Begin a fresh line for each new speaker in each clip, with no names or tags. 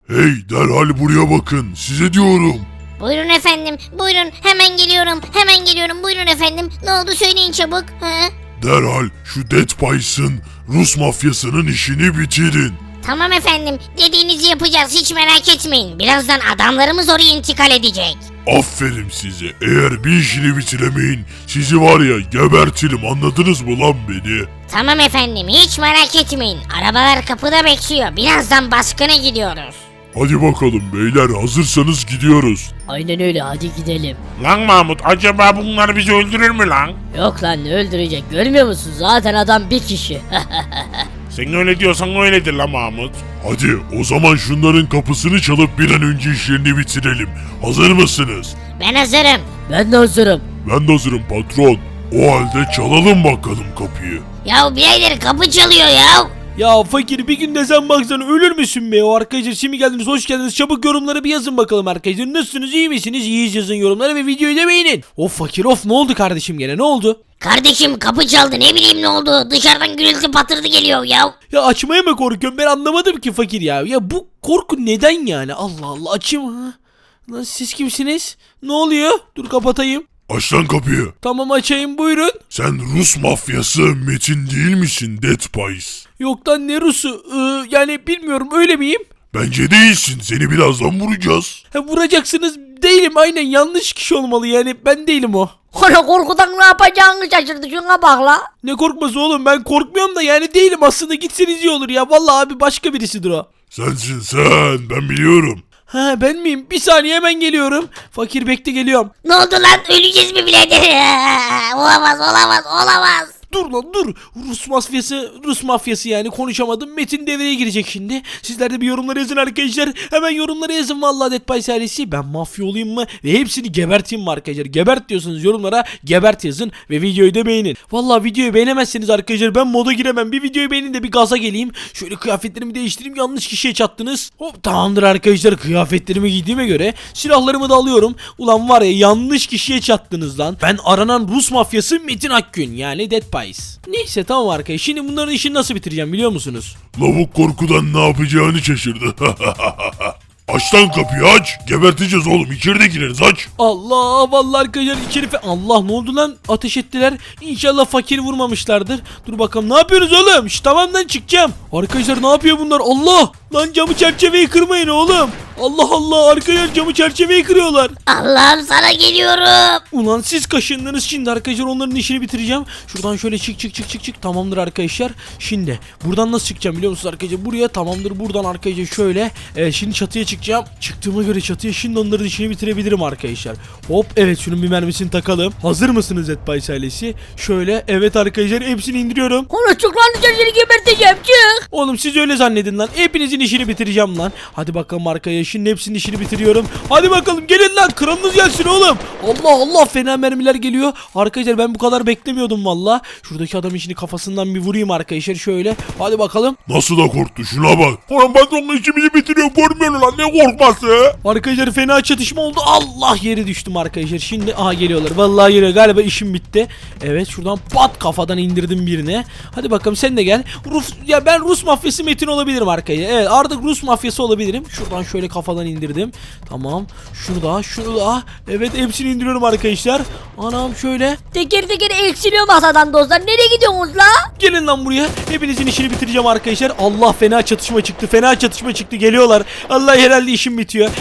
Hey derhal buraya bakın size diyorum.
Buyurun efendim, buyurun. Hemen geliyorum, hemen geliyorum. Buyurun efendim. Ne oldu söyleyin çabuk.
Derhal şu Dead Pies'ın Rus mafyasının işini bitirin.
Tamam efendim, dediğinizi yapacağız, hiç merak etmeyin. Birazdan adamlarımız oraya intikal edecek.
Aferin size. Eğer bir işini bitiremeyin sizi var ya gebertirim, anladınız mı lan beni?
Tamam efendim, hiç merak etmeyin. Arabalar kapıda bekliyor. Birazdan baskına gidiyoruz.
Hadi bakalım beyler, hazırsanız gidiyoruz.
Aynen öyle, hadi gidelim.
Lan Mahmut, acaba bunlar bizi öldürür mü lan?
Yok lan, ne öldürecek, görmüyor musun? Zaten adam bir kişi.
Sen öyle diyorsan öyledir lan Mahmut.
Hadi o zaman şunların kapısını çalıp bir an önce işlerini bitirelim. Hazır mısınız?
Ben hazırım.
Ben de hazırım.
Ben de hazırım patron. O halde çalalım bakalım kapıyı.
Ya birader kapı çalıyor ya.
Ya fakir, bir gün de sen baksana ölür müsün be? O arkadaşlar şimdi geldiniz, hoş geldiniz. Çabuk yorumlara bir yazın bakalım arkadaşlar. Nasılsınız, iyi misiniz? İyiyiz yazın yorumlara ve videoyu da beğenin. Of fakir of, ne oldu kardeşim gene, ne oldu?
Kardeşim kapı çaldı, ne bileyim ne oldu. Dışarıdan gürültü patırdı geliyor ya.
Ya açmaya mı korkuyorum, ben anlamadım ki fakir ya. Ya bu korku neden yani? Allah Allah, açayım ha. Lan siz kimsiniz? Ne oluyor? Dur kapatayım.
Aç lan kapıyı.
Tamam açayım, buyurun.
Sen Rus mafyası Metin değil misin Dead Pies?
Yok lan, ne Rus'u? Yani bilmiyorum, öyle miyim?
Bence değilsin. Seni birazdan vuracağız.
Ha, vuracaksınız, değilim, aynen yanlış kişi olmalı yani, ben değilim o.
Ona korkudan ne yapacağını şaşırdı, şuna bak la.
Ne korkması oğlum, ben korkmuyorum da yani değilim aslında, gitseniz iyi olur ya. Vallahi abi, başka birisidir o.
Sensin sen. Ben biliyorum.
Ha, ben miyim? Bir saniye, hemen geliyorum. Fakir bekle, geliyorum.
Ne oldu lan, öleceğiz mi birader? Olamaz, olamaz, olamaz.
Dur lan dur. Rus mafyası yani, konuşamadım. Metin devreye girecek şimdi. Sizler de bir yorumlara yazın arkadaşlar. Hemen yorumlara yazın vallahi Dead Pies ailesi. Ben mafya olayım mı ve hepsini geberteyim mi arkadaşlar? Gebert diyorsanız yorumlara gebert yazın ve videoyu da beğenin. Vallahi videoyu beğenemezseniz arkadaşlar ben moda giremem. Bir videoyu beğenin de bir gaza geleyim. Şöyle kıyafetlerimi değiştireyim. Yanlış kişiye çattınız. Hop, tamamdır arkadaşlar, kıyafetlerimi giydiğime göre silahlarımı da alıyorum. Ulan var ya, yanlış kişiye çattınız lan. Ben aranan Rus mafyası Metin Akgün, yani Dead Pies. Neyse tamam arkadaşlar, şimdi bunların işini nasıl bitireceğim biliyor musunuz?
Lavuk korkudan ne yapacağını şaşırdı. Aç lan kapıyı, aç. Geberteceğiz oğlum. İçeride gireriz, aç.
Allah, vallahi arkadaşlar içeri Allah, ne oldu lan, ateş ettiler. İnşallah fakiri vurmamışlardır. Dur bakalım, ne yapıyorsunuz oğlum? Tamam lan, çıkacağım. Arkadaşlar ne yapıyor bunlar? Allah lan, camı çerçeveyi kırmayın oğlum. Allah Allah, arkadaşlar camı çerçeveyi kırıyorlar.
Allah'ım sana geliyorum.
Ulan siz kaşındınız, şimdi arkadaşlar onların işini bitireceğim. Şuradan şöyle çık. Tamamdır arkadaşlar. Şimdi buradan nasıl çıkacağım biliyor musunuz arkadaşlar? Buraya, tamamdır, buradan arkadaşlar şöyle. Şimdi çatıya çıkacağım. Çıktığıma göre çatıya şimdi onların işini bitirebilirim arkadaşlar. Hop, evet, şunun bir mermisini takalım. Hazır mısınız Dead Pies ailesi? Şöyle, evet arkadaşlar, hepsini indiriyorum.
Ona çık lan, seni geberteceğim, çık.
Oğlum siz öyle zannedin lan. Hepinizin işini bitireceğim lan. Hadi bakalım arkadaşlar, şimdi hepsinin işini bitiriyorum. Hadi bakalım, gelin lan, kralınız gelsin oğlum. Allah Allah, fena mermiler geliyor. Arkadaşlar ben bu kadar beklemiyordum valla. Şuradaki adamın işini kafasından bir vurayım arkadaşlar şöyle. Hadi bakalım.
Nasıl da korktu, şuna bak. Ulan patronla işimizi bitiriyor, görmüyor lan, ne korkması.
Arkadaşlar fena çatışma oldu. Allah, yere düştüm arkadaşlar. Şimdi aha geliyorlar. Vallahi geliyor. Galiba işim bitti. Evet, şuradan pat kafadan indirdim birine. Hadi bakalım, sen de gel. Ben Rus mafyası Metin olabilirim arkadaşlar. Evet, artık Rus mafyası olabilirim. Şuradan şöyle kafadan indirdim. Tamam. Şurada. Evet, hepsini indiriyorum arkadaşlar. Anam şöyle.
Teker teker eksiliyor masadan dostlar, nereye gidiyorsunuz la?
Gelin lan buraya. Hepinizin işini bitireceğim arkadaşlar. Allah, fena çatışma çıktı. Geliyorlar. Allah, herhalde işim bitiyor.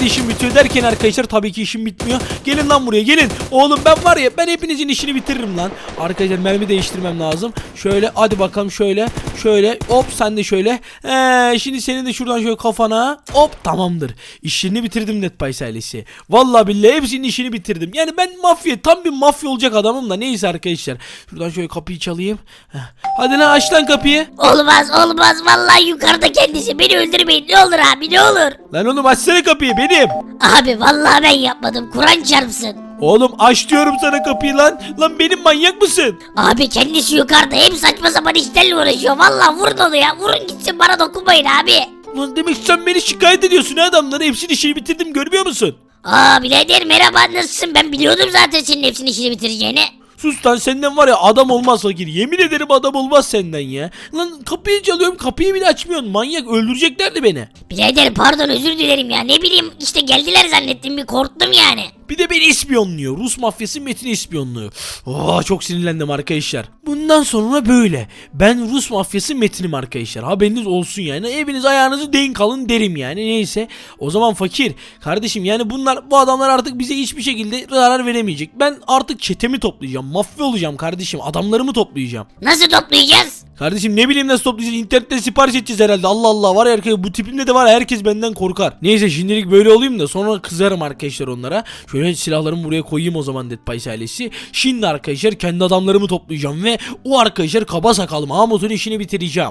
Derken arkadaşlar tabii ki işim bitmiyor. Gelin lan buraya, gelin. Oğlum ben var ya, ben hepinizin işini bitiririm lan. Arkadaşlar mermi değiştirmem lazım. Şöyle, hadi bakalım şöyle. Hop, sen de şöyle. Şimdi senin de şuradan şöyle kafana. Hop, tamamdır. İşini bitirdim Dead Pies ailesi. Vallahi billahi hepsinin işini bitirdim. Yani ben tam bir mafya olacak adamım da, neyse arkadaşlar. Şuradan şöyle kapıyı çalayım. Hadi lan, aç lan kapıyı.
Olmaz, vallahi yukarıda kendisi, beni öldürmeyin, ne olur abi, ne olur.
Lan oğlum, açsana kapıyı, benim.
Abi vallahi ben yapmadım, Kur'an çarpsın.
Oğlum aç diyorum sana kapıyı lan. Lan benim, manyak mısın?
Abi kendisi yukarıda, hep saçma sapan işlerle uğraşıyor. Vallahi vurun onu ya, vurun gitsin, bana dokunmayın abi.
Lan demek sen beni şikayet ediyorsun ha adamları. Hepsini işini bitirdim, görmüyor musun?
Birader merhaba, nasılsın? Ben biliyordum zaten senin hepsinin işini bitireceğini.
Sus lan, senden var ya adam olmaz fakir. Yemin ederim adam olmaz senden ya. Lan kapıyı çalıyorum, kapıyı bile açmıyorsun. Manyak, öldüreceklerdi beni.
Birader pardon, özür dilerim ya, ne bileyim işte geldiler zannettim, bir korktum yani.
Bir de beni ispiyonluyor. Rus mafyası Metin'i ispiyonluyor. Çok sinirlendim arkadaşlar. Bundan sonra böyle. Ben Rus mafyası Metin'im arkadaşlar. Haberiniz olsun yani. Eviniz ayağınızı denk alın derim yani. Neyse. O zaman fakir. Kardeşim yani bu adamlar artık bize hiçbir şekilde zarar veremeyecek. Ben artık çetemi toplayacağım. Mafya olacağım kardeşim. Adamlarımı toplayacağım.
Nasıl toplayacağız?
Kardeşim ne bileyim nasıl toplayacağız, internetten sipariş edeceğiz herhalde. Allah Allah, var ya arkadaşlar, bu tipimde de var ya, herkes benden korkar. Neyse şimdilik böyle olayım da sonra kızarım arkadaşlar onlara. Şöyle silahlarımı buraya koyayım o zaman Dead Pies ailesi. Şimdi arkadaşlar kendi adamlarımı toplayacağım ve o arkadaşlar kaba sakal Mahmut'un işini bitireceğim.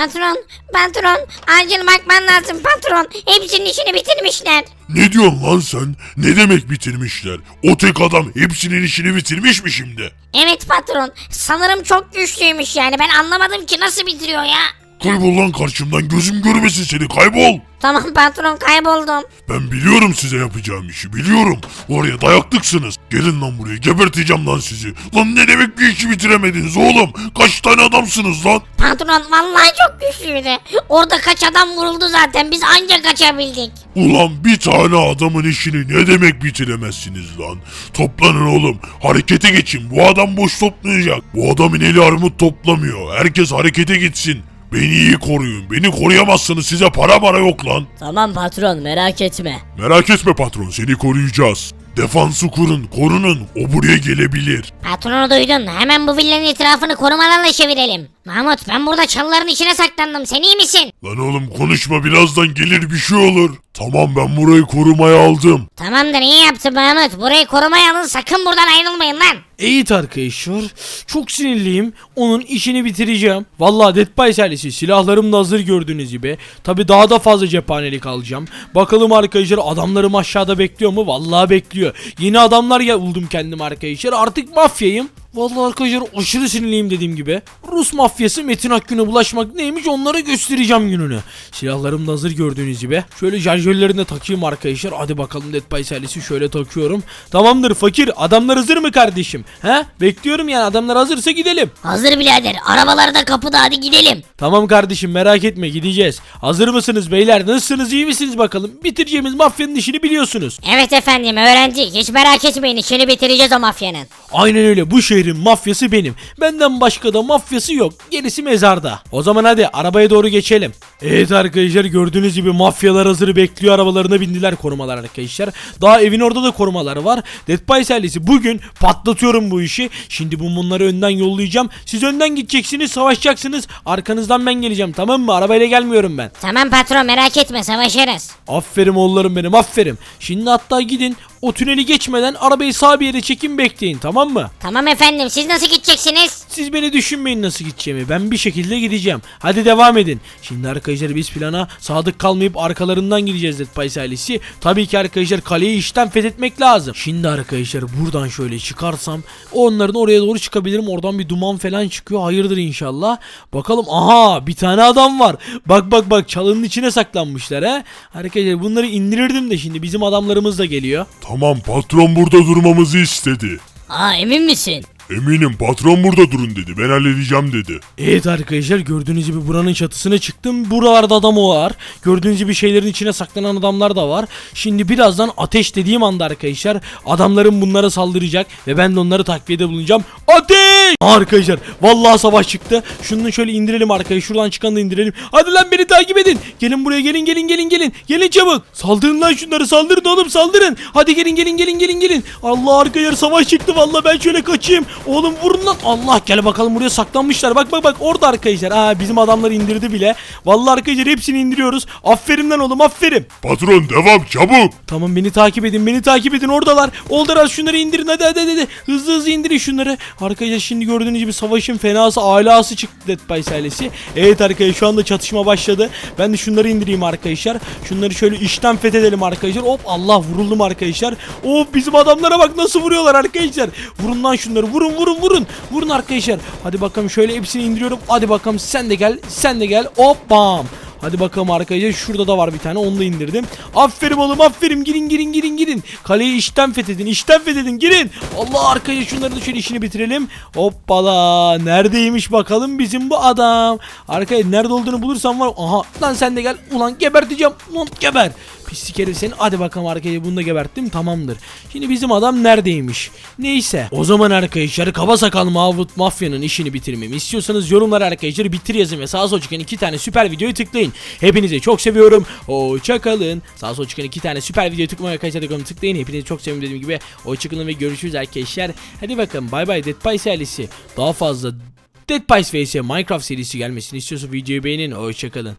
Patron acil bakman lazım patron, hepsinin işini bitirmişler.
Ne diyorsun lan sen? Ne demek bitirmişler? O tek adam hepsinin işini bitirmiş mi şimdi?
Evet patron, sanırım çok güçlüymüş yani, ben anlamadım ki nasıl bitiriyor ya.
Kaybol lan karşımdan, gözüm görmesin seni, kaybol.
Tamam patron, kayboldum.
Ben biliyorum size yapacağım işi, biliyorum. Oraya dayaklıksınız. Gelin lan buraya, geberteceğim lan sizi. Lan ne demek bir işi bitiremediniz oğlum? Kaç tane adamsınız lan?
Patron vallahi çok güçlüydü. Orada kaç adam vuruldu zaten, biz ancak kaçabildik.
Ulan bir tane adamın işini ne demek bitiremezsiniz lan? Toplanın oğlum, harekete geçin. Bu adam boş toplayacak. Bu adamın eli armut toplamıyor. Herkes harekete gitsin. Beni iyi koruyun. Beni koruyamazsınız, size para yok lan.
Tamam patron, merak etme.
Merak etme patron, seni koruyacağız. Defansı kurun, korunun. O buraya gelebilir.
Patronu duydun, hemen bu villanın etrafını korumalarla çevirelim. Mahmut, ben burada çalıların içine saklandım, sen iyi misin?
Lan oğlum konuşma, birazdan gelir bir şey olur. Tamam, ben burayı korumaya aldım.
Tamamdır, iyi yaptın Mahmut, burayı korumaya alın, sakın buradan ayrılmayın lan.
Evet arkadaşlar, çok sinirliyim. Onun işini bitireceğim. Vallahi Dead Pies ailesi, silahlarım da hazır gördüğünüz gibi. Tabi daha da fazla cephanelik alacağım. Bakalım arkadaşlar, adamlarım aşağıda bekliyor mu? Vallahi bekliyor. Yeni adamlar buldum kendim arkadaşlar. Artık mafyayım. Vallahi arkadaşlar aşırı sinirliyim dediğim gibi. Rus mafyası Metin Akgün'e bulaşmak neymiş, onlara göstereceğim gününü. Silahlarım da hazır gördüğünüz gibi. Şöyle şarjörlerini de takayım arkadaşlar. Hadi bakalım Dead Pies ailesi, şöyle takıyorum. Tamamdır fakir, adamlar hazır mı kardeşim? He? Bekliyorum yani, adamlar hazırsa gidelim.
Hazır birader, arabalar da kapıda, hadi gidelim.
Tamam kardeşim, merak etme, gideceğiz. Hazır mısınız beyler? Nasılsınız, iyi misiniz bakalım? Bitireceğimiz mafyanın işini biliyorsunuz.
Evet efendim, öğrenci, hiç merak etmeyin, işini bitireceğiz o mafyanın.
Aynen öyle, bu şehrin mafyası benim. Benden başka da mafyası yok. Gerisi mezarda. O zaman hadi arabaya doğru geçelim. Evet arkadaşlar, gördüğünüz gibi mafyalar hazır bekliyor, arabalarına bindiler, korumalar arkadaşlar. Daha evin orada da korumaları var. Dead Pies ailesi, bugün patlatıyorum bu işi. Şimdi bunları önden yollayacağım. Siz önden gideceksiniz, savaşacaksınız. Arkanızdan ben geleceğim, tamam mı? Arabayla gelmiyorum ben.
Tamam patron, merak etme, savaşırız.
Aferin oğullarım benim, aferin. Şimdi hatta gidin, o tüneli geçmeden arabayı sağ bir yere çekin, bekleyin, tamam mı?
Tamam efendim, siz nasıl gideceksiniz?
Siz beni düşünmeyin nasıl gideceğimi, ben bir şekilde gideceğim. Hadi devam edin. Şimdi arkadaşlar biz plana sadık kalmayıp arkalarından gideceğiz Dead Pies ailesi. Tabii ki arkadaşlar kaleyi işten fethetmek lazım. Şimdi arkadaşlar buradan şöyle çıkarsam onların oraya doğru çıkabilirim. Oradan bir duman falan çıkıyor, hayırdır inşallah. Bakalım, aha bir tane adam var. Bak çalının içine saklanmışlar ha. Arkadaşlar bunları indirirdim de şimdi bizim adamlarımız da geliyor.
Tamam, patron burada durmamızı istedi.
Aa, emin misin?
Eminim, patron burada durun dedi. Ben halledeceğim dedi.
Evet arkadaşlar, gördüğünüz gibi buranın çatısına çıktım. Buralarda adam var. Gördüğünüz gibi şeylerin içine saklanan adamlar da var. Şimdi birazdan ateş dediğim anda arkadaşlar adamlarım bunlara saldıracak ve ben de onları takviyede bulunacağım. Ateş! Arkadaşlar vallahi savaş çıktı. Şunu şöyle indirelim arkadaşlar. Şuradan çıkanı da indirelim. Hadi lan, beni takip edin. Gelin buraya, gelin. Gelin çabuk. Saldırın lan şunları, saldırın oğlum, saldırın. Hadi gelin. Allah arkadaşlar, savaş çıktı vallahi, ben şöyle kaçayım. Oğlum vurun lan. Allah, gel bakalım, buraya saklanmışlar. Bak orada arkadaşlar. Bizim adamları indirdi bile. Vallahi arkadaşlar hepsini indiriyoruz. Aferin lan oğlum, aferin.
Patron devam, çabuk.
Tamam, beni takip edin, oradalar. Oldular, şunları indirin hadi. Hızlı indirin şunları. Arkadaşlar şimdi gördüğünüz gibi savaşın fenası alası çıktı Dead Pies ailesi. Evet arkadaşlar, şu anda çatışma başladı. Ben de şunları indireyim arkadaşlar. Şunları şöyle işten fethedelim arkadaşlar. Hop, Allah, vuruldum arkadaşlar. Hop, bizim adamlara bak nasıl vuruyorlar arkadaşlar. Vurun lan şunları, vurun arkadaşlar. Hadi bakalım, şöyle hepsini indiriyorum. Hadi bakalım, sen de gel. Hop, bam. Hadi bakalım arkadaşlar, şurada da var bir tane, onu da indirdim. Aferin oğlum, aferin, girin. Kaleyi işten fethedin, girin. Allah, arkadaşlar şunları da şöyle işini bitirelim. Hoppala, neredeymiş bakalım bizim bu adam. Arkadaşlar nerede olduğunu bulursam var. Aha lan, sen de gel. Ulan geberteceğim. Ulan geber. Pislik herif seni. Hadi bakalım arkadaşlar, bunu da geberttim, tamamdır. Şimdi bizim adam neredeymiş? Neyse. O zaman arkadaşlar, kaba sakal Mahmut Mafya'nın işini bitirmemi istiyorsanız yorumlara arkadaşlar bitir yazın ve sağa sola çıkan 2 tane süper videoyu tıklayın. Hepinizi çok seviyorum. Hoşça kalın. Sağa sola çıkan 2 tane süper videoyu tıklayın. Tıklayın. Hepinizi çok seviyorum dediğim gibi. Hoşça kalın ve görüşürüz arkadaşlar. Hadi bakalım, bay bay. Dead Pies ailesi. Daha fazla Dead Pies vs Minecraft serisi gelmesini istiyorsa videoyu beğenin. Hoşça kalın.